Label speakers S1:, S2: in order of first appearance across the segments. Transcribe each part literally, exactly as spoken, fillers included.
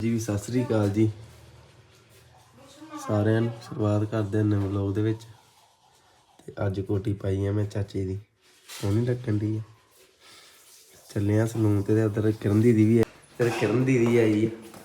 S1: ਜੀ ਸਤਿ ਸ੍ਰੀ ਅਕਾਲ ਜੀ ਸਾਰਿਆਂ ਨੂੰ। ਸ਼ੁਰੂਆਤ ਕਰਦੇ ਹਾਂ ਨਵੇਂ ਵਲੋਗ ਦੇ ਵਿੱਚ। ਤੇ ਅੱਜ ਕੋਟੀ ਪਾਈ ਆ ਮੈਂ ਚਾਚੇ ਦੀ, ਸੋਹਣੀ ਲੱਗਣ ਦੀ ਆ। ਚੱਲੇ ਆ ਸਲੂਨ ਤੇ ਉਧਰ ਕਿਰਨ ਦੀਦੀ ਵੀ ਹੈ, ਫਿਰ ਕਿਰਨ ਦੀਦੀ ਆਈ।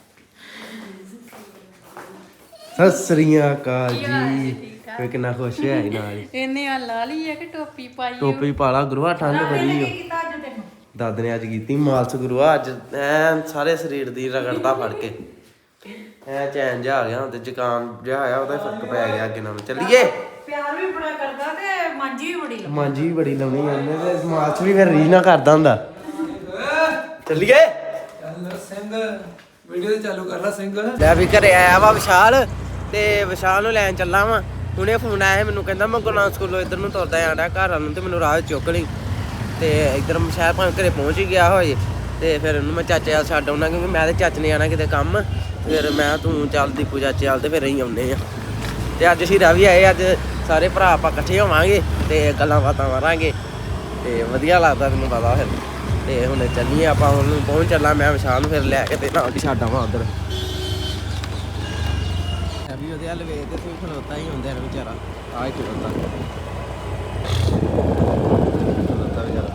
S1: ਸਤਿ ਸ੍ਰੀ ਅਕਾਲ ਜੀ। ਮੈਂ ਕਿੰਨਾ ਖੁਸ਼ ਹੋਇਆ ਸੀ ਨਾਲ।
S2: ਇਹਨੇ ਆ ਲਾ ਲਈ ਹੈ ਕਿ ਟੋਪੀ ਪਾਈ?
S1: ਟੋਪੀ ਪਾ ਲਾ ਗੁਰੂਆ, ਠੰਡ ਬੜੀ ਆ। ਦਾਦੇ ਨੇ ਅੱਜ ਕੀਤੀ ਮਾਲਸ਼ ਗੁਰੂਆ। ਅੱਜ ਐ ਸਾਰੇ ਸਰੀਰ ਦੀ ਰਗੜਦਾ ਫੜ ਕੇ ਐ ਚੈਨ ਜਿਹਾ ਆ ਗਿਆ। ਹੁਣ ਤੇ ਜ਼ੁਕਾਮ ਜਿਹਾ ਆਇਆ, ਉਹਦਾ ਫਰਕ ਪੈ ਗਿਆ ਅੱਗੇ ਨਾਲੋਂ। ਚੱਲੀਏ।
S2: ਪਿਆਰ ਵੀ ਬੜਾ ਕਰਦਾ ਤੇ ਮਾਂਜੀ ਵੀ ਬੜੀ ਲਾਉਂਦਾ।
S1: ਮਾਂਜੀ ਵੀ ਬੜੀ ਲਾਉਣੀ ਉਹਨੇ ਤੇ ਮਾਲਸ਼ ਵੀ ਫਿਰ ਰੀਝ ਨਾ ਕਰਦਾ ਹੁੰਦਾ। ਚੱਲੀਏ।
S3: ਚੱਲ ਸਿੰਘ ਵੀਡੀਓ ਤੇ ਚਾਲੂ ਕਰ ਲਾ ਸਿੰਘ।
S1: ਲੈ ਵੀ ਘਰੇ ਆਇਆ ਵਾ ਵਿਸ਼ਾਲ, ਤੇ ਵਿਸ਼ਾਲ ਨੂੰ ਲੈਣ ਚੱਲਾ ਵਾ। ਹੁਣੇ ਫੋਨ ਆਇਆ ਮੈਨੂੰ, ਕਹਿੰਦਾ ਮੈਂ ਗੁਰਨਾਮ ਸਕੂਲੋਂ ਇੱਧਰ ਨੂੰ ਤੁਰਦਾ ਆਂਦਾ ਘਰ ਨੂੰ, ਤੇ ਮੈਨੂੰ ਰਾਹ ਚੁੱਕ ਲਈ। ਤੇ ਇੱਧਰ ਸ਼ਾਇਦ ਭਾਵੇਂ ਘਰੇ ਪਹੁੰਚ ਹੀ ਗਿਆ ਹੋਏ। ਤੇ ਫਿਰ ਉਹਨੂੰ ਮੈਂ ਚਾਚੇ ਵੱਲ ਛੱਡ ਆਉਣਾ, ਕਿਉਂਕਿ ਮੈਂ ਤੇ ਚਾਚੇ ਨੇ ਆਉਣਾ ਕਿਤੇ ਕੰਮ। ਫਿਰ ਮੈਂ ਤੂੰ ਚੱਲ ਦੀਪੂ ਚਾਚੇ ਵੱਲ, ਤੇ ਫਿਰ ਅਸੀਂ ਆਉਂਦੇ ਹਾਂ। ਤੇ ਅੱਜ ਹੀਰਾ ਵੀ ਆਏ, ਅੱਜ ਸਾਰੇ ਭਰਾ ਆਪਾਂ ਇਕੱਠੇ ਹੋਵਾਂਗੇ ਤੇ ਗੱਲਾਂ ਬਾਤਾਂ ਮਾਰਾਂਗੇ ਤੇ ਵਧੀਆ ਲੱਗਦਾ ਤੈਨੂੰ ਪਤਾ। ਫਿਰ ਤੇ ਹੁਣ ਚੱਲੀਏ ਆਪਾਂ, ਉਹਨੂੰ ਪਹੁੰਚ ਚੱਲਾਂ ਮੈਂ ਵਿਸ਼ਾਲ ਨੂੰ, ਫਿਰ ਲੈ ਕੇ ਤੇ ਨਾਲ ਛੱਡ ਆਵਾਂ ਉੱਧਰ। ਵੀ ਉਹਦੇ ਹਲ ਵੇਖ ਤੇ ਤੂੰ ਖਲੋਤਾ ਹੀ ਹੁੰਦਾ ਵਿਚਾਰਾ। ਆਹ ਖਲੋਤਾ ਖਲੋਤਾ ਵਿਚਾਰਾ।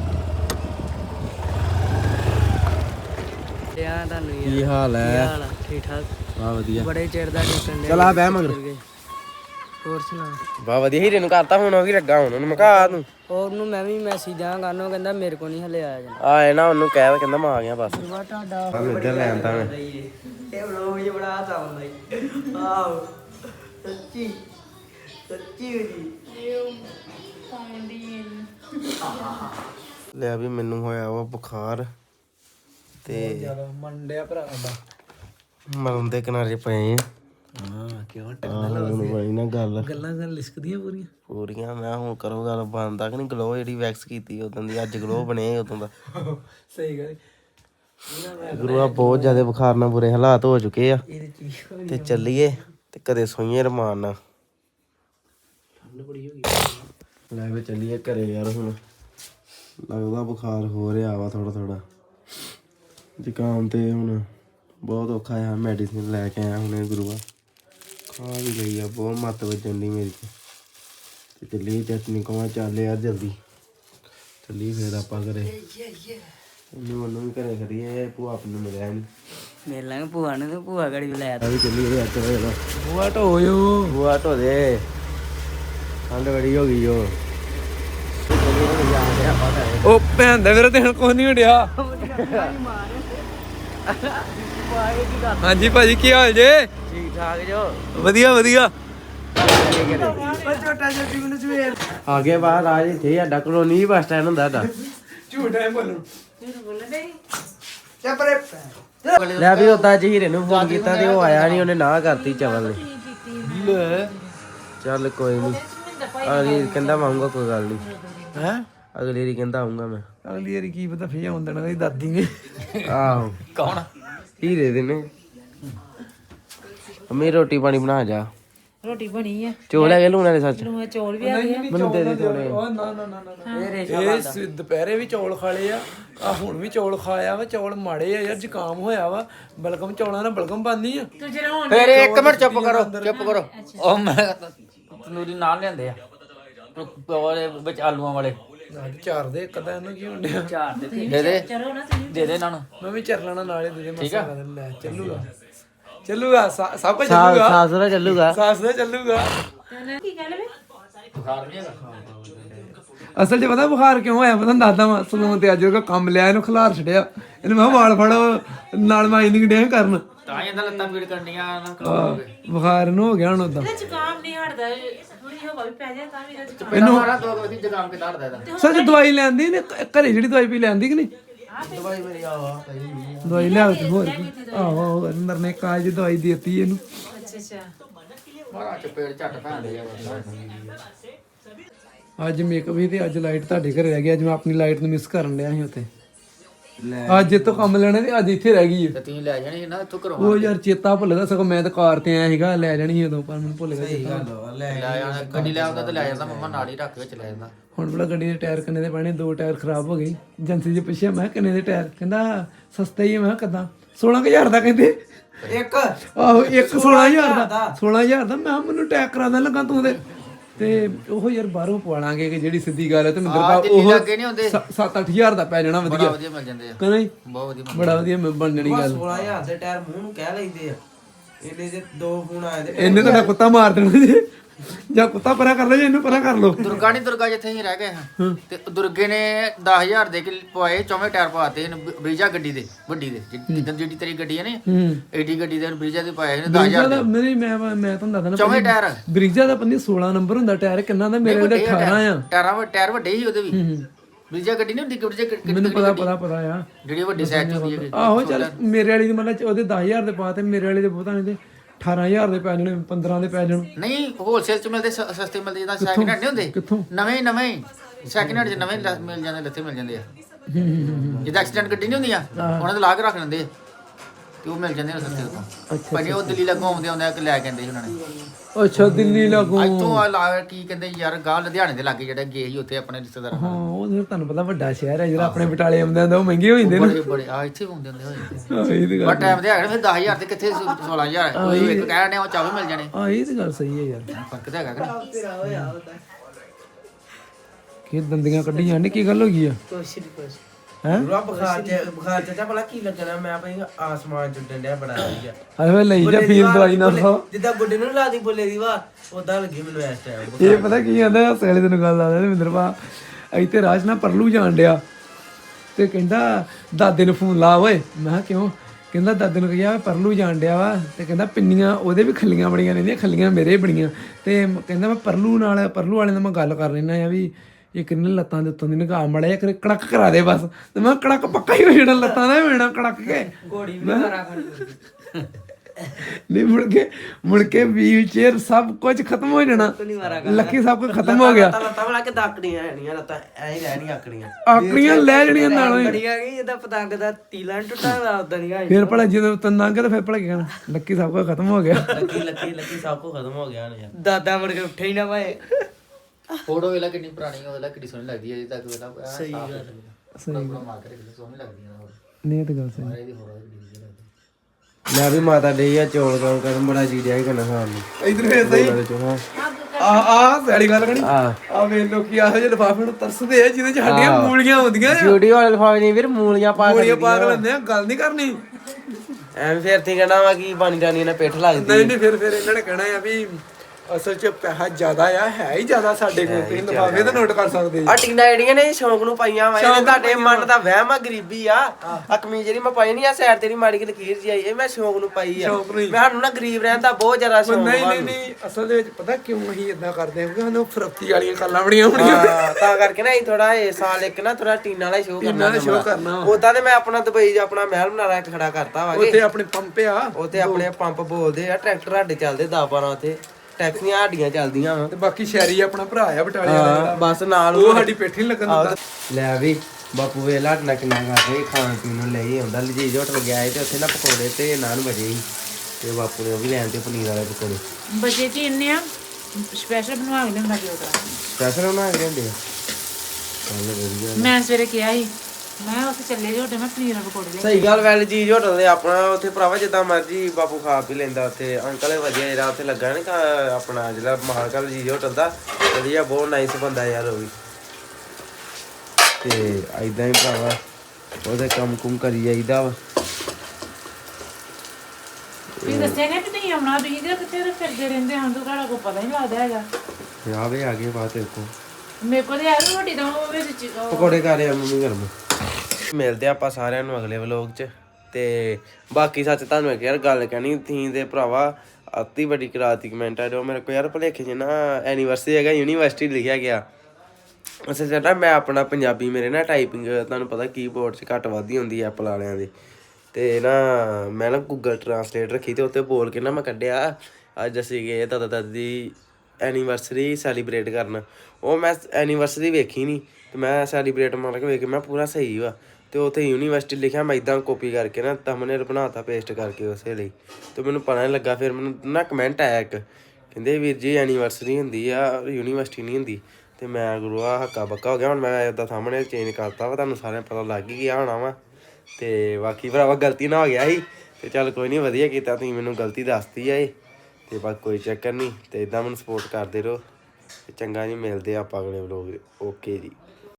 S2: ਯਾਰ ਤੁਹਾਨੂੰ
S1: ਕੀ ਹਾਲ ਹੈ?
S2: ਠੀਕ ਠਾਕ?
S1: ਵਾਹ ਵਧੀਆ।
S2: ਬੜੇ ਚਿਰ ਦਾ ਟਿਕਣ
S1: ਚਲ ਆ ਬਹਿ ਮਗਰ।
S2: ਹੋਰ ਸੁਣਾ?
S1: ਵਾਹ ਵਧੀਆ। ਹੀਰੇ ਨੂੰ ਕਰਤਾ ਹੁਣ, ਉਹ ਵੀ ਲੱਗਾ ਹੁਣ ਉਹਨੂੰ। ਮੈਂ ਕਿਹਾ ਤੂੰ
S2: ਉਹਨੂੰ ਮੈਂ ਵੀ ਮੈਸੇਜਾਂ ਕਰਨੋਂ, ਕਹਿੰਦਾ ਮੇਰੇ ਕੋਲ ਨਹੀਂ ਹਲੇ ਆਇਆ ਜਾਂਦਾ।
S1: ਆਏ ਨਾ ਉਹਨੂੰ ਕਹਿ, ਕਹਿੰਦਾ ਮੈਂ ਆ ਗਿਆ ਬਸ।
S2: ਵਾ ਤੁਹਾਡਾ
S1: ਆ ਇੱਧਰ ਲੈ ਆਂਦਾ ਮੈਂ।
S2: ਇਹ ਬਲੌਗ ਹੀ ਬੜਾ ਆਉਂਦਾ ਹੀ। ਆਹੋ ਸੱਚੀ ਸੱਚੀ ਜੀ ਇਹ ਪਾਉਂਦੀ
S1: ਲਿਆ ਵੀ ਮੈਨੂੰ ਹੋਇਆ ਵਾ ਬੁਖਾਰ ਤੇ
S3: ਜਿਆਦਾ ਮੰਡਿਆ ਭਰਾ ਦਾ
S1: ਮਰਨ ਦੇ ਕਿਨਾਰੇ ਪਏ ਆ।
S3: ਹਾਂ ਕਿਉਂ
S1: ਹੁਣ ਬਣੀ ਨਾ ਗੱਲ,
S3: ਗੱਲਾਂ ਗੱਲ ਲਿਸਕਦੀਆਂ ਪੂਰੀਆਂ
S1: ਪੂਰੀਆਂ। ਮੈਂ ਹੁਣ ਕਰੋ ਗੱਲ ਬਣਦਾ ਕਿ ਨਹੀਂ। ਗਲੋ ਜਿਹੜੀ ਵੈਕਸ ਕੀਤੀ ਉਦੋਂ ਦੀ, ਅੱਜ ਗਲੋ ਬਣੇ ਉਦੋਂ ਦਾ।
S3: ਸਹੀ ਗੱਲ।
S1: ਗੁਰੂਆ ਬਹੁਤ ਜ਼ਿਆਦਾ ਬੁਖਾਰ ਨਾਲ ਬੁਰੇ ਹਾਲਾਤ ਹੋ ਚੁੱਕੇ ਆ।
S3: ਇਹਦੇ ਚੀਜ਼
S1: ਤੇ ਚੱਲੀਏ ਤੇ ਕਦੇ ਸੋਈਏ ਰਮਾਨ ਨਾਲ।
S3: ਠੰਡ ਬੜੀ ਹੋ ਗਈ।
S1: ਲੈ ਵੀ ਚੱਲੀਏ ਘਰੇ ਯਾਰ। ਹੁਣ ਲੱਗਦਾ ਬੁਖਾਰ ਹੋ ਰਿਹਾ ਵਾ ਥੋੜਾ ਥੋੜਾ। ਜ਼ੁਕਾਮ ਤੇ ਹੁਣ ਬਹੁਤ ਔਖਾ ਆ। ਮੈਡੀਸਿਨ ਲੈ ਕੇ ਆਇਆ ਹੁਣੇ ਗੁਰੂਆ, ਖਾ ਵੀ ਲਈ ਆ। ਬਹੁਤ ਮੱਤ ਵੱਜਣ ਦੀ ਮੇਰੀ ਤੇ ਚੱਲੀਏ ਚਟਨੀ ਕਮਾ। ਚੱਲ ਯਾਰ ਜਲਦੀ ਚੱਲੀਏ ਫਿਰ ਆਪਾਂ ਘਰੇ। ਉਹਨੂੰ ਉਹਨੂੰ ਵੀ ਘਰੇ ਖੜੀਏ। ਭੂਆ ਆਪ ਨੂੰ ਮਿਲਿਆ ਨਹੀਂ।
S2: ਮਿਲ ਲਾਂਗੇ ਭੂਆ ਨੂੰ, ਤੇ ਭੂਆ ਗੜੀ ਲੈ
S1: ਆ ਵੀ ਚੱਲੀਏ ਅੱਜ ਹੋਇਆ
S3: ਬੂਆ ਢੋਇਓ।
S1: ਭੂਆ ਢੋ ਦੇ, ਠੰਡ ਬੜੀ ਹੋ ਗਈ ਓ।
S3: ਉਹ ਭੈਣ ਦਾ ਵੀਰ ਤੇ ਹੁਣ ਕੁਝ ਨਹੀਂ ਹੁੰਦਿਆ। ਹਾਂਜੀ ਭਾਜੀ ਕੀ ਹਾਲ ਜੇ?
S1: ਠੀਕ ਠਾਕ ਜੋ?
S3: ਵਧੀਆ ਵਧੀਆ।
S1: ਆ ਗਏ ਬਾਹਰ। ਆ ਜੇ ਥੇ ਸਾਡਾ ਕਲੋਨੀ ਬੱਸ ਸਟੈਂਡ ਹੁੰਦਾ ਸਾਡਾ।
S3: ਝੂਠ ਹੈ ਬੋਲੋ।
S1: ਲੈ ਵੀ ਉਦਾਂ ਅੱਜ ਹੀਰੇ ਨੂੰ ਫੋਨ ਕੀਤਾ ਤੇ ਉਹ ਆਇਆ ਨਹੀਂ, ਉਹਨੇ ਨਾ ਕਰਤੀ ਚਵਲ ਨੇ।
S3: ਲੈ
S1: ਚੱਲ ਕੋਈ ਨਹੀਂ, ਅਗਲੀ ਕਹਿੰਦਾ ਮੈਂ ਆਊਂਗਾ, ਕੋਈ ਗੱਲ ਨਹੀਂ।
S3: ਹੈ
S1: ਅਗਲੀ ਵਾਰੀ ਕਹਿੰਦਾ ਆਊਂਗਾ ਮੈਂ।
S3: ਅਗਲੀ ਵਾਰੀ ਕੀ ਪਤਾ ਫੇਰ ਆਉਂਦਣ ਦੀ ਦਾਦੀ ਨੇ।
S1: ਆਹੋ
S3: ਕੌਣ?
S1: ਹੀਰੇ ਦੇ ਨੇ। ਅੰਮੀ ਰੋਟੀ ਪਾਣੀ ਬਣਾ ਜਾ।
S2: ਰੋਟੀ ਬਣੀ ਆ।
S1: ਚੋਲ ਹੈਗੇ ਲੂਣ ਵਾਲੇ ਸੱਚ?
S2: ਲੂਣ ਚੌਲ ਵੀ ਆ ਗਏ।
S1: ਮੈਨੂੰ ਦੇ ਦੇ ਥੋੜੇ।
S3: ਉਹ ਨਾ ਨਾ ਨਾ ਨਾ
S2: ਇਹ ਰੇਸ਼ਾ
S3: ਇਹ ਸ- ਦੁਪਹਿਰੇ ਵੀ ਚੌਲ ਖਾ ਲਏ ਆ, ਆ ਹੁਣ ਵੀ ਚੌਲ ਖਾਇਆ ਵਾ। ਚੌਲ ਮਾੜੇ ਆ ਯਾਰ, ਜ਼ੁਕਾਮ ਹੋਇਆ ਵਾ। ਬਲਗਮ ਚੌਲਾਂ ਨਾਲ ਬਲਗਮ ਬਣਦੀ ਆ।
S2: ਤੂੰ ਜਿਹੜਾ ਹੁਣ
S1: ਫਿਰ ਇੱਕ ਮਿੰਟ ਚੁੱਪ ਕਰੋ, ਚੁੱਪ ਕਰੋ।
S4: ਉਹ ਮੈਂ ਤੰਦੂਰੀ ਨਾਲ ਲਿਆਂਦੇ ਆ ਉਹਦੇ ਵਿੱਚ ਆਲੂਆਂ ਵਾਲੇ।
S3: ਨਾਲ ਚਾਰ ਦੇ ਇੱਕ ਤਾਂ ਇਹਨੂੰ ਕੀ ਹੁੰਦਿਆ।
S4: ਚਾਰ ਦੇ ਦੇ ਦੇ
S2: ਚਲੋ ਨਾ ਤੁਸੀਂ
S4: ਦੇ ਦੇ ਇਹਨਾਂ ਨੂੰ।
S3: ਮੈਂ ਵੀ ਚਰ ਲੈਣਾ ਨਾਲੇ ਦੂਜੇ ਮਸਾਲਾ ਦੇ ਲੈ ਚੱਲੂਗਾ ਚੱਲੂਗਾ ਸਾ- ਸਭ ਕੁਝ
S1: ਸਾਸ
S3: ਚੱਲੂਗਾ।
S1: ਸਾਸ ਦਾ ਚੱਲੂਗਾ।
S3: ਸਾਸ ਦਾ ਚੱਲੂਗਾ।
S2: ਕੀ ਗੱਲ ਵੇ?
S4: ਬੁਖਾਰ ਨਹੀਂ ਹੈਗਾ।
S3: ਅਸਲ 'ਚ ਪਤਾ ਬੁਖਾਰ ਕਿਉਂ ਹੋਇਆ? ਪਤਾ ਦਾਦਾ ਵਾ ਸਲੂਨ ਤੇ ਅੱਜ ਉਹ ਕੰਮ ਲਿਆ, ਇਹਨੂੰ ਖਿਲਾਰ ਛੱਡਿਆ। ਇਹਨੂੰ ਮੈਂ ਕਿਹਾ ਵਾਲ ਫੜੋ ਨਾਲ ਮਾਈਨਿੰਗ ਡੇ ਕਰਨ।
S4: ਤਾਂ ਹੀ ਇਹਦਾ ਲੱਤਾਂ ਪੀੜ ਕਰਨੀਆਂ ਨਾ।
S3: ਆਹ, ਬੁਖਾਰ ਇਹਨੂੰ ਹੋ ਗਿਆ ਹੁਣ ਉਦਾਂ।
S2: ਇਹਦਾ ਜ਼ੁਕਾਮ ਨਹੀਂ ਹਟਦਾ, ਥੋੜੀ ਹਵਾ ਵੀ ਪੈ ਜਾਏ ਤਾਂ ਵੀ ਇਹਦਾ ਜ਼ੁਕਾਮ।
S3: ਇਹਨੂੰ
S4: ਸਾਰਾ ਦੋ ਵਜੇ ਜ਼ੁਕਾਮ ਕਿਦਾਂ ਹਟਦਾ ਇਹਦਾ?
S3: ਸੱਚ ਦਵਾਈ ਲੈਂਦੀ ਨੇ ਘਰੇ, ਜਿਹੜੀ ਦਵਾਈ ਪੀ ਲੈਂਦੀ ਕਿ ਨਹੀਂ?
S1: ਦਵਾਈ ਮੇਰੀ ਆਵਾ ਪਈ।
S3: ਦਵਾਈ ਲਿਆ ਕੇ ਹੋਰ ਕੀ। ਆਹੋ ਆਹੋ ਅੰਦਰ ਨੇ ਕਾਜ ਦਵਾਈ ਦੇਤੀ ਇਹਨੂੰ।
S2: ਅੱਛਾ ਅੱਛਾ।
S4: ਮਾਰਾ ਚਪੇੜ ਝੱਟ ਪੈਂਦੇ ਆ।
S3: ਅੱਜ ਮੇਕਅਪ ਵੀ ਤੇ ਅੱਜ ਲਾਈਟ ਤੁਹਾਡੇ ਘਰੇ ਰਹਿ ਗਈ। ਅੱਜ ਮੈਂ ਆਪਣੀ ਲਾਈਟ ਨੂੰ ਮਿਸ ਕਰਨ ਡਿਆ ਸੀ ਉੱਥੇ। ਅੱਜ ਇੱਥੋਂ ਕੰਮ ਲੈਣਾ ਤੇ ਅੱਜ ਇੱਥੇ ਰਹਿ ਗਈ ਹੈ।
S4: ਤੇ ਤੁਸੀਂ ਲੈ ਜਾਣੀ ਸੀ ਨਾ ਇੱਥੋਂ ਘਰੋਂ
S3: ਉਹ ਯਾਰ ਚੇਤਾ ਭੁੱਲਦਾ ਸਗੋਂ ਮੈਂ ਤਾਂ ਕਾਰ ਤੇ ਆਇਆ ਸੀਗਾ ਲੈ ਜਾਣੀ ਸੀ ਉਦੋਂ ਪਰ ਮੈਨੂੰ ਭੁੱਲ ਗਿਆ ਚੇਤਾ।
S4: ਲੈ ਜਾਣਾ ਗੱਡੀ ਲੈ ਆਉਂਦਾ ਤੇ ਲੈ ਜਾਂਦਾ ਮੰਮਾ ਨਾਲ ਹੀ ਰੱਖ ਕੇ ਵਿੱਚ ਲੈ ਜਾਂਦਾ।
S3: ਹੁਣ ਬੜਾ ਗੱਡੀ ਦੇ ਟਾਇਰ ਕਿੰਨੇ ਦੇ ਪੈਣੇ ਦੋ ਟਾਇਰ ਖਰਾਬ ਹੋ ਗਏ ਏਜੰਸੀ 'ਚ ਪੁੱਛਿਆ ਮੈਂ ਕਿੰਨੇ ਦੇ ਟਾਇਰ ਕਹਿੰਦਾ ਸਸਤਾ ਹੀ ਹੈ। ਮੈਂ ਕਿਹਾ ਕਿੱਦਾਂ ਸੋਲਾਂ ਕੁ ਹਜ਼ਾਰ ਦਾ ਕਹਿੰਦੇ
S1: ਇੱਕ
S3: ਆਹੋ ਇੱਕ ਸੋਲਾਂ ਹਜ਼ਾਰ ਦਾ ਸੋਲਾਂ ਹਜ਼ਾਰ ਦਾ ਮੈਂ ਕਿਹਾ ਮੈਨੂੰ ਟੈਕ ਕਰਾਉਂਦਾ ਲੱਗਾ ਤੂੰ ਤੇ ਤੇ ਉਹ ਯਾਰ ਬਾਹਰੋਂ ਪਵਾਲਾਂਗੇ ਕਿ ਜਿਹੜੀ ਸਿੱਧੀ ਗੱਲ ਹੈ ਤੇ ਮਿੰਦਰ ਪਾ ਉਹ
S4: ਲੱਗੇ ਨਹੀਂ ਹੁੰਦੇ
S3: ਸੱਤ ਅੱਠ ਹਜ਼ਾਰ ਦਾ ਪੈ ਜਾਣਾ ਵਧੀਆ
S4: ਵਧੀਆ ਮਿਲ ਜਾਂਦੇ ਆ
S3: ਕਹਿੰਦਾ
S4: ਬਹੁਤ ਵਧੀਆ
S3: ਬੜਾ ਵਧੀਆ ਬਣ ਜਾਣੀ ਗੱਲ
S1: ਸੋਲਾਂ ਹਜ਼ਾਰ ਦੇ ਟਾਇਰ ਮੂੰਹ ਨੂੰ ਕਹਿ ਲੈਂਦੇ ਆ ਇਹਨੇ ਦੇ ਦੋ ਫੋਨ ਆਏ ਤੇ
S3: ਇਹਨੇ ਤੁਹਾਡਾ ਕੁੱਤਾ ਮਾਰ ਦੇਣਾ ਜੀ ਜਾਂ ਕੁੱਤਾ ਪਰਾ ਕਰ ਲਓ ਜਾਂ ਇਹਨੂੰ ਪਰਾ ਕਰ ਲਓ।
S4: ਦੁਰਗਾ ਨਹੀਂ ਦੁਰਗਾ ਜਿੱਥੇ ਅਸੀਂ ਰਹਿ ਗਏ ਹਾਂ ਤੇ ਦੁਰਗੇ ਨੇ ਦਸ ਹਜ਼ਾਰ ਦੇ ਕੇ ਪਵਾਏ ਚੌਵੇਂ ਟਾਇਰ ਪਵਾਤੇ ਬਰੀਜਾ ਗੱਡੀ ਦੇ ਵੱਡੀ ਦੇ ਜਿੱਦਾਂ ਜਿਹੜੀ ਤੇਰੀ ਗੱਡੀ ਹੈ ਨੇ ਏਡੀ ਗੱਡੀ ਦੇ ਬਰੀਜਾ ਦੇ ਪਾਏ ਨੇ ਦਸ ਹਜ਼ਾਰ
S3: ਦਾ ਮੇਰੀ ਮੈਂ ਮੈਂ ਤੁਹਾਨੂੰ ਦੱਸਦਾ ਨਾ
S4: ਚੌਵੇਂ ਟਾਇਰ
S3: ਬ੍ਰਿਜਾ ਦਾ ਪੰਨੀ ਸੋਲਾਂ ਨੰਬਰ ਹੁੰਦਾ ਟਾਇਰ ਕਿੰਨਾ ਦਾ ਮੇਰੇ ਦੇ ਅਠਾਰਾਂ ਆ
S4: ਟਾਇਰਾਂ ਟਾਇਰ ਵੱਡੇ ਸੀ ਉਹਦੇ ਵੀ ਬਰੀਜਾ ਗੱਡੀ ਨਹੀਂ ਹੁੰਦੀ ਬਰੀਜਾ
S3: ਮੈਨੂੰ ਪਤਾ ਪਤਾ ਪਤਾ ਆ
S4: ਜਿਹੜੀ ਵੱਡੀ ਸਾਈਜ਼ ਹੁੰਦੀ ਹੈ
S3: ਆਹੋ ਚੱਲ ਮੇਰੇ ਵਾਲੀ ਦੀ ਮਤਲਬ ਉਹਦੇ ਦਸ ਹਜ਼ਾਰ ਦੇ ਪਾ ਤੇ ਮੇਰੇ ਵਾਲੇ ਦੇ ਬਹੁਤਾਂ ਨੇ ਤੇ ਅਠਾਰਾਂ ਹਜ਼ਾਰ ਦੇ ਪੈ ਜਾਣੇ ਪੰਦਰਾਂ ਦੇ ਪੈ ਜਾਣ
S4: ਨਹੀਂ ਹੋਲਸੇਲ ਚ ਮਿਲਦੇ ਸ- ਸਸਤੇ ਮਿਲਦੇ ਜਿੱਦਾਂ ਸੈਕਿੰਡ ਹੈਂਡ ਨਹੀਂ ਹੁੰਦੇ
S3: ਕਿੱਥੋਂ
S4: ਨਵੇਂ ਨਵੇਂ ਸੈਕਿੰਡ ਹੈਂਡ ਚ ਨਵੇਂ ਲ- ਮਿਲ ਜਾਂਦੇ ਲੱਥੇ ਮਿਲ ਜਾਂਦੇ ਆ ਜਿੱਦਾਂ ਐਕਸੀਡੈਂਟ ਗੱਡੀ ਨਹੀਂ ਹੁੰਦੀਆਂ ਉਹਨਾਂ ਦੇ ਲਾ ਕੇ ਰੱਖ ਲੈਂਦੇ ਆ ਤੇ ਉਹ ਮਿਲ ਜਾਂਦੇ ਨੇ ਸਸਤੇ ਤੋਂ ਭਾਜੀ ਉਹ ਦਿੱਲੀ ਲੱਗੋਂ ਆਉਂਦੇ ਆਉਂਦੇ ਲੈ ਕੇ ਆਂਦੇ ਸੀ ਉਹਨਾਂ ਨੇ
S3: ਅੱਛਾ ਦਿੱਲੀ ਲੱਗੋ
S4: ਇੱਥੋਂ ਆ ਲਾ ਕੀ ਕਹਿੰਦੇ ਯਾਰ ਗਾਂ ਲੁਧਿਆਣੇ ਦੇ ਲਾਗੇ ਜਿਹੜੇ ਗਏ ਸੀ ਉੱਥੇ ਆਪਣੇ ਰਿਸ਼ਤੇਦਾਰ
S3: ਹਾਂ ਉਹ ਫਿਰ ਤੁਹਾਨੂੰ ਪਤਾ ਵੱਡਾ ਸ਼ਹਿਰ ਹੈ ਜਿਹੜਾ ਆਪਣੇ ਬਟਾਲੇ ਆਉਂਦੇ ਹੁੰਦੇ ਉਹ ਮਹਿੰਗੇ ਹੋ ਜਾਂਦੇ ਨੇ
S4: ਬੜੇ ਬੜੇ ਆ ਇੱਥੇ ਵੀ ਹੁੰਦੇ ਹੁੰਦੇ ਹੋਏ
S3: ਆਹ ਇਹ ਤੇ ਗੱਲ
S4: ਬਟ ਟਾਈਮ ਦੇ ਹੈਗੇ ਨੇ, ਫਿਰ ਦਸ ਹਜ਼ਾਰ ਤੇ ਕਿੱਥੇ ਸੋਲਾਂ ਹਜ਼ਾਰ ਉਹ ਇੱਕ ਕਹਿ ਰਹੇ ਉਹ ਚਾਵੇ ਮਿਲ ਜਾਣੇ
S3: ਆਹ ਇਹ ਤੇ ਗੱਲ ਸਹੀ ਹੈ ਯਾਰ
S4: ਫਰਕ ਤਾਂ ਹੈਗਾ ਕਿ ਨਹੀਂ?
S3: ਕੀ ਦੰਦੀਆਂ ਕੱਢੀ ਜਾਂਦੇ ਕੀ ਗੱਲ ਹੋ ਗਈ ਆ
S2: ਕੁਛ ਨਹੀਂ ਕੁਛ
S3: ਹੈ
S1: ਪੂਰਾ ਬੁਖਾਰ ਚ ਬੁਖਾਰ ਚ ਭਲਾ ਕੀ ਲੱਗਣਾ ਮੈਂ ਭਾਈ ਆਸਮਾਨ ਚ ਉੱਡਣ ਡਿਆ ਬੜਾ ਵਧੀਆ
S3: ਅਰੇ ਲਈ ਜਾ ਫੀਲ ਦਵਾਈ ਨਾ ਖਾਓ
S1: ਜਿੱਦਾਂ ਗੁੱਡੇ ਨੂੰ ਲਾਦੀ ਬੋਲੇ ਦੀ ਵਾ ਉਦਾਂ ਲੱਗੀ ਮੈਨੂੰ ਇਸ ਟਾਈਮ
S3: ਇਹ ਪਤਾ ਕੀ ਕਹਿੰਦਾ ਸੈਲੇ ਤੈਨੂੰ ਗੱਲ ਦੱਸਦਾ ਮਿੰਦਰ ਭਾ ਇੱਥੇ ਰਾਜ ਨਾ ਪਰਲੂ ਜਾਣ ਡਿਆ ਤੇ ਕਹਿੰਦਾ ਦਾਦੇ ਨੂੰ ਫੋਨ ਲਾ ਓਏ ਮੈਂ ਕਿਹਾ ਕਿਉਂ ਕਹਿੰਦਾ ਦਾਦੇ ਨੂੰ ਕਿਹਾ ਪਰਲੂ ਜਾਣ ਡਿਆ ਵਾ ਤੇ ਕਹਿੰਦਾ ਪਿੰਨੀਆਂ ਉਹਦੇ ਵੀ ਖੱਲੀਆਂ ਬੜੀਆਂ ਰਹਿੰਦੀਆਂ ਖੱਲੀਆਂ ਮੇਰੇ ਬੜੀਆਂ ਤੇ ਕਹਿੰਦਾ ਮੈਂ ਪਰਲੂ ਨਾਲ ਪਰਲੂ ਵਾਲੇ ਨਾਲ ਮੈਂ ਗੱਲ ਕਰ ਲੈਣਾ ਆ ਵੀ ਇੱਕ ਨੇ ਲੱਤਾਂ ਦੇ ਉੱਤੋਂ ਦੀ ਨਿਗਾਹ ਮੜਿਆ ਇੱਕ ਕੜਕ ਕਰਾ ਦੇ ਬਸ ਤੇ ਮੈਂ ਕੜਕ ਪੱਕਾ ਹੀ ਹੋ ਜਾਣਾ ਲੱਤਾਂ ਦਾ ਹੋਣਾ ਕੜਕ ਕੇ
S2: ਘੋੜੀ ਵੀ ਮਾਰਾ ਖਾਣੀ
S3: ਨਹੀਂ ਮੁੜ ਕੇ ਮੁੜ ਕੇ ਵੀਲ ਚੇਅਰ ਸਭ ਕੁਝ ਖਤਮ ਹੋ ਜਾਣਾ ਲੱਕੀ ਸਭ ਕੁਝ ਖਤਮ ਹੋ ਗਿਆ
S1: ਲੱਤਾਂ ਬਣਾ ਕੇ ਦਾਕੜੀਆਂ ਰਹਿਣੀਆਂ ਲੱਤਾਂ ਐਂ ਹੀ ਰਹਿਣੀਆਂ ਆਕੜੀਆਂ
S3: ਆਕੜੀਆਂ ਲੈ ਜਣੀਆਂ ਨਾਲੋਂ
S2: ਬੜੀ ਆ ਗਈ ਜਿੱਦਾਂ ਪਤੰਗ ਦਾ ਤੀਲਾ ਨੀ ਟੁੱਟਾ ਦਾ ਉਦਾਂ ਨਹੀਂ ਆ
S3: ਫਿਰ ਭਲਾ ਜਦੋਂ ਤੰਨਾ ਗਿਆ ਤਾਂ ਫਿਰ ਭਲਾ ਕੀ ਕਹਿਣਾ ਲੱਕੀ ਸਭ ਕੁਝ ਖਤਮ ਹੋ ਗਿਆ
S1: ਲੱਕੀ ਲੱਕੀ ਲੱਕੀ ਸਭ ਕੁਝ ਖਤਮ ਹੋ ਗਿਆ ਯਾਰ
S2: ਦਾਦਾ ਮੁੜ ਕੇ ਉੱਠੇ ਹੀ ਨਾ ਪਾਏ
S4: ਫੋਟੋ ਵੇਲਾ ਕਿੰਨੀ ਪੁਰਾਣੀ ਉਹ ਵੇਲਾ ਕਿੰਨੀ ਸੋਹਣੀ ਲੱਗਦੀ ਹੈ ਅਜੇ ਤੱਕ ਵੇਲਾ ਸਹੀ ਗੱਲ
S3: ਸਹੀ
S4: ਮਾਰ ਕੇ ਕਿੰਨੀ ਸੋਹਣੀ ਲੱਗਦੀ ਹੈ
S3: ਨਹੀਂ ਇਹ ਤਾਂ ਗੱਲ ਸਹੀ
S4: ਇਹਦੀ ਫੋਟੋ ਕਿੰਨੀ ਸੋਹਣੀ ਲੱਗਦੀ
S1: ਮੈਂ ਵੀ ਮਾਤਾ ਡੇ ਆ ਚੌਲ ਕੰਮ ਕਰਨ ਬੜਾ ਜੀ ਡਿਆ ਹੀ ਕਰਨਾ ਖਾਣ ਨੂੰ
S3: ਇਧਰ ਫੇਰ ਸਹੀ ਆ ਆ ਸਾਡੀ ਗੱਲ ਕਰੀ
S1: ਆ
S3: ਆ ਵੇ ਲੋਕੀ ਆਹੋ ਜਿਹੇ ਲਿਫਾਫੇ ਨੂੰ ਤਰਸਦੇ ਆ ਜਿਹਦੇ ਚ ਹੱਡੀਆਂ ਮੂਲੀਆਂ ਹੁੰਦੀਆਂ ਆ
S1: ਵੀਡੀਓ ਵਾਲੇ ਲਿਫਾਫੇ ਨਹੀਂ ਵੀਰ ਮੂਲੀਆਂ ਪਾ
S3: ਮੂਲੀਆਂ ਪਾ ਕੇ ਲੈਂਦੇ ਆ ਗੱਲ ਨਹੀਂ ਕਰਨੀ
S1: ਐਵੇਂ ਫੇਰ ਤੀ ਕਹਿਣਾ ਵਾ ਕਿ ਪਾਣੀ ਟਾਣੀ ਨਾਲ ਪਿੱਠ ਲੱਗਦੀ
S3: ਨਹੀਂ ਨਹੀਂ ਫਿਰ ਫਿਰ ਇਹਨਾਂ ਨੇ ਕਹਿਣਾ ਆ ਵੀ ਅਸਲ ਚ ਪੈਸਾ ਜ਼ਿਆਦਾ ਆ ਹੈ ਹੀ ਜ਼ਿਆਦਾ ਸਾਡੇ ਕੋਲ ਤੁਸੀਂ ਲਿਫਾਫੇ ਤਾਂ ਨੋਟ ਕਰ ਸਕਦੇ
S1: ਆ ਟੀਨਾ ਜਿਹੜੀਆਂ ਨੇ ਸ਼ੌਂਕ ਨੂੰ ਪਾਈਆਂ ਵਾ ਇਹ ਤੁਹਾਡੇ ਮਨ ਦਾ ਵਹਿਮ ਆ ਗਰੀਬੀ ਆ ਆ ਕਮੀਜ਼ ਜਿਹੜੀ ਮੈਂ ਪਾਈ ਨਹੀਂ ਆ ਸਾਈਡ ਤੇਰੀ ਮਾੜੀ ਕਿ ਲਕੀਰ ਜੀ ਆਈ ਇਹ ਮੈਂ ਸ਼ੌਂਕ ਨੂੰ ਪਾਈ ਆ
S3: ਸ਼ੌਂਕ ਨੂੰ ਹੀ।
S1: ਮੈਂ ਸਾਨੂੰ ਨਾ ਗਰੀਬ ਰਹਿਣ ਦਾ ਬਹੁਤ ਜ਼ਿਆਦਾ ਸ਼ੌਂਕ
S3: ਨਹੀਂ
S1: ਵਾ
S3: ਨਹੀਂ ਨਹੀਂ ਅਸਲ ਦੇ ਵਿੱਚ ਪਤਾ ਕਿਉਂ ਅਸੀਂ ਇਦਾਂ ਕਰਦੇ ਹਾਂ ਕਿਉਂਕਿ ਸਾਨੂੰ ਫਰਫਤੀ ਵਾਲੀਆਂ ਗੱਲਾਂ ਬੜੀਆਂ ਹੋਣੀਆਂ
S1: ਹਾਂ, ਤਾਂ ਕਰਕੇ ਨਾ ਇਹ ਥੋੜਾ ਇਹ ਸਾਲ ਇੱਕ ਨਾ ਥੋੜਾ ਟੀਨਾ ਵਾਲਾ ਸ਼ੋਅ ਕਰਨਾ
S3: ਵਾਲਾ show ਕਰਨਾ ਵਾ।
S1: ਉਦਾਂ ਤੇ ਮੈਂ ਆਪਣਾ ਦੁਬਈ 'ਚ ਆਪਣਾ ਮਹਿਲ ਬਣਾ ਕੇ ਖੜਾ ਕਰਤਾ ਵਾਗੇ
S3: ਉੱਥੇ ਆਪਣੇ ਪੰਪ ਆ
S1: ਉੱਥੇ ਆਪਣੇ ਪੰਪ ਬੋਲਦੇ ਆ ਟਰੈਕਟਰ ਸਾਡੇ ਚੱਲਦੇ ਦਸ ਬਾਰਾਂ ਉੱਥੇ ਟੈਕਸੀਆਂ ਸਾਡੀਆਂ ਚੱਲਦੀਆਂ ਵਾ
S3: ਤੇ ਬਾਕੀ ਸ਼ਹਿਰੀ ਆਪਣਾ ਭਰਾ ਆ ਬਟਾਲੇ ਵਾਲਾ ਜਿਹੜਾ
S1: ਬਸ ਨਾਲ
S3: ਉਹ ਸਾਡੀ ਪੇਠੀ ਨੀ ਲੱਗਣ ਦਿੰਦਾ
S1: ਲੈ ਵੀ ਬਾਪੂ ਵੇਲਾ ਨਾ ਕਿੰਨਾ ਕਰਦੇ ਖਾਣ ਪੀਣ ਨੂੰ ਲਈ ਆਉਂਦਾ ਲਜੀਜ ਹੋਟਲ ਗਿਆ ਤੇ ਉੱਥੇ ਨਾ ਪਕੌੜੇ ਤੇ ਨਾਨ ਵਜੇ ਸੀ ਤੇ ਬਾਪੂ ਨੇ ਉਹ ਵੀ ਲੈਣ ਤੇ ਪਨੀਰ ਵਾਲੇ ਪਕੌੜੇ
S5: ਬਜੇ ਚ ਇੰਨੇ ਆ ਸਪੈਸ਼ਲ ਬਣਵਾ ਕੇ ਲਿਆਂਦਾ ਕਿ ਉਹਦਾ
S1: ਸਪੈਸ਼ਲ ਬਣਾ ਕੇ ਲਿਆਂਦੇ ਆ ਚੱਲ ਵਧੀਆ
S5: ਮੈਂ ਸਵੇਰੇ ਕਿਹਾ ਸੀ ਮੈਂ ਉੱਥੇ ਚੱਲੇ ਜੋ ਮੈਂ ਪਨੀਰ ਵਾਲੇ ਪਕੌੜੇ ਲੈ
S1: ਸਹੀ ਗੱਲ ਵੈਲ ਚੀਜ਼ ਹੋਟਲ ਦੇ ਆਪਣਾ ਉੱਥੇ ਭਰਾਵਾ ਜਿੱਦਾਂ ਮਰਜੀ ਬਾਪੂ ਖਾ ਪੀ ਲੈਂਦਾ ਉੱਥੇ ਅੰਕਲ ਵਧੀਆ ਜਿਹੜਾ ਉੱਥੇ ਲੱਗਾ ਨਾ ਆਪਣਾ ਜਿਹੜਾ ਮਹਾਕਾਲ ਜੀ ਹੋਟਲ ਦਾ ਵਧੀਆ ਬਹੁਤ ਨਾਈਸ ਬੰਦਾ ਯਾਰ ਉਹ ਵੀ ਤੇ ਐਦਾਂ ਹੀ ਭਰਾਵਾ ਉਹਦੇ ਕੰਮ ਕੁਮ ਕਰੀ ਜਾਈਦਾ ਵਾ
S5: ਤੁਸੀਂ ਦੱਸਿਆ ਨੇ ਕਿ ਤੁਸੀਂ ਆਉਣਾ ਤੁਸੀਂ ਕਿਹੜਾ ਕਿੱਥੇ ਫਿਰਦੇ ਰਹਿੰਦੇ ਹਾਂ ਤੋਂ ਘੜਾ ਕੋ ਪਤਾ ਨਹੀਂ ਲੱਗਦਾ ਹੈਗਾ
S1: ਵਿਆਹ ਵੀ ਆ ਗਏ ਬਾਤ ਦੇਖੋ
S5: ਮੇਰੇ ਕੋਲ ਯਾਰ ਰੋਟੀ ਤਾਂ ਉਹ ਵਿੱਚ ਉਹ-
S1: ਪਕੌੜੇ ਕਰ ਰਿਹਾ ਮੰਮੀ ਗਰਮ ਮਿਲਦੇ ਆਪਾਂ ਸਾਰਿਆਂ ਨੂੰ ਅਗਲੇ ਵਲੋਗ 'ਚ ਤੇ ਬਾਕੀ ਸੱਚ ਤੁਹਾਨੂੰ ਇੱਕ ਯਾਰ ਗੱਲ ਕਹਿਣੀ ਥੀ ਦੇ ਭਰਾਵਾ ਅੱਤੀ ਵੱਡੀ ਕਰਾਤੀ ਕਮੈਂਟ ਆ ਜੋ ਮੇਰੇ ਕੋਲ ਯਾਰ ਭੁਲੇਖੇ 'ਚ ਨਾ ਐਨੀਵਰਸਰੀ ਹੈਗਾ ਯੂਨੀਵਰਸਿਟੀ ਲਿਖਿਆ ਗਿਆ ਅਸਲ 'ਚ ਨਾ ਮੈਂ ਆਪਣਾ ਪੰਜਾਬੀ ਮੇਰੇ ਨਾ ਟਾਈਪਿੰਗ ਤੁਹਾਨੂੰ ਪਤਾ ਕੀਬੋਰਡ 'ਚ ਘੱਟ ਵੱਧ ਹੀ ਹੁੰਦੀ ਹੈ ਐਪਲ ਵਾਲਿਆਂ ਦੀ ਤੇ ਨਾ ਮੈਂ ਨਾ ਗੂਗਲ ਟਰਾਂਸਲੇਟ ਰੱਖੀ ਤੇ ਉੱਤੇ ਬੋਲ ਕੇ ਨਾ ਮੈਂ ਕੱਢਿਆ ਅੱਜ ਅਸੀਂ ਗਏ ਦਾਦਾ ਦਾਦੀ ਦੀ ਐਨੀਵਰਸਰੀ ਸੈਲੀਬ੍ਰੇਟ ਕਰਨ ਉਹ ਮੈਂ ਐਨੀਵਰਸਰੀ ਵੇਖੀ ਨਹੀਂ ਤੇ ਮੈਂ ਸੈਲੀਬ੍ਰੇਟ ਮਾਰ ਕੇ ਵੇਖ ਕੇ ਮੈਂ ਪੂਰਾ ਸਹੀ ਵਾ ਤੇ ਉੱਥੇ ਯੂਨੀਵਰਸਿਟੀ ਲਿਖਿਆ ਮੈਂ ਇਦਾਂ ਕਾਪੀ ਕਰਕੇ ਨਾ ਥੰਬਨੇਲ ਬਣਾਤਾ ਪੇਸਟ ਕਰਕੇ ਉਸੇ ਲਈ ਤੇ ਮੈਨੂੰ ਪਤਾ ਨਹੀਂ ਲੱਗਾ। ਫਿਰ ਮੈਨੂੰ ਨਾ ਕਮੈਂਟ ਆਇਆ ਇੱਕ, ਕਹਿੰਦੇ ਵੀਰ ਜੀ ਐਨੀਵਰਸਰੀ ਹੁੰਦੀ ਆ ਯੂਨੀਵਰਸਿਟੀ ਨਹੀਂ ਹੁੰਦੀ। ਤੇ ਮੈਂ ਗੁਰੂਆ ਹੱਕਾ ਬੱਕਾ ਹੋ ਗਿਆ। ਹੁਣ ਮੈਂ ਇੱਦਾਂ ਥੰਬਨੇਲ ਚੇਂਜ ਕਰਤਾ ਵਾ, ਤੁਹਾਨੂੰ ਸਾਰਿਆਂ ਪਤਾ ਲੱਗ ਹੀ ਗਿਆ ਹੋਣਾ ਵਾ। ਤੇ ਬਾਕੀ ਭਰਾਵਾ ਗਲਤੀ ਨਾ ਹੋ ਗਿਆ ਸੀ ਤੇ ਚੱਲ ਕੋਈ ਨਹੀਂ, ਵਧੀਆ ਕੀਤਾ ਤੁਸੀਂ ਮੈਨੂੰ ਗਲਤੀ ਦੱਸਤੀ ਆ ਇਹ। ਤੇ ਬਸ ਕੋਈ ਚੱਕਰ ਨਹੀਂ, ਤੇ ਇਦਾਂ ਮੈਨੂੰ ਸਪੋਰਟ ਕਰਦੇ ਰਹੋ ਤੇ ਚੰਗਾ ਜੀ। ਮਿਲਦੇ ਆਪਾਂ ਅਗਲੇ ਵਲੋਗ। ਓਕੇ ਜੀ।